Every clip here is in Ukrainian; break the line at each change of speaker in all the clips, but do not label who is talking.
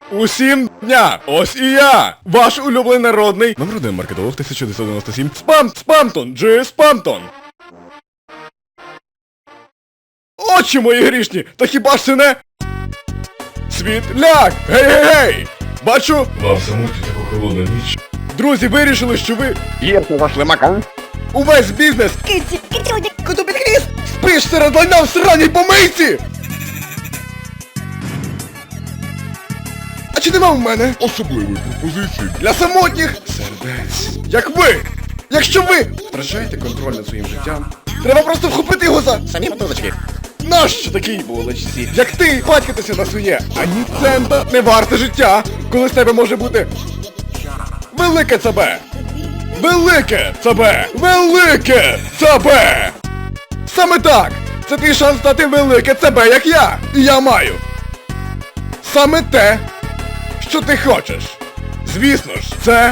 Усім дня! Ось і я! Ваш улюблений народний номер 1 маркетолог 1997 Спамтон! Джи Спамтон! Очі мої грішні! Та хіба ж це не... Світляк! Гей-гей-гей! Бачу...
Вам самоті таку холодну ніч.
Друзі вирішили, що ви...
Єрку ваш лимака.
Увесь бізнес...
Киці, кицюня.
Коту під хвіст! Спиш серед лайна в сраній помийці! А чи нема в мене
Особливої пропозиції.
для самотніх сердець? Як ви! Якщо ви втрачаєте контроль над своїм життям, треба просто вхопити його за самі мотузочки. Нащо такій булочці? Як ти батькатися на своє, ані цента не варте життя, коли з тебе може бути велике ЦБ! Велике ЦБ! Велике ЦБ! Саме так! Це твій шанс стати велике ЦБ, як я! І я маю! Саме те, що ти хочеш! Звісно ж, це...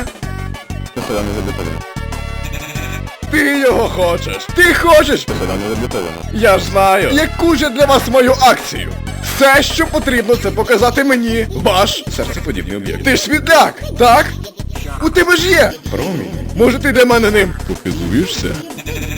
Ти його хочеш! Ти хочеш! Я ж знаю, яку ж я для вас мою акцію! Все, що потрібно, це показати мені ваш серцеподібний об'єкт. Ти ж світляк, так? У тебе ж є! Промінь. Може ти для мене ним попілуєшся?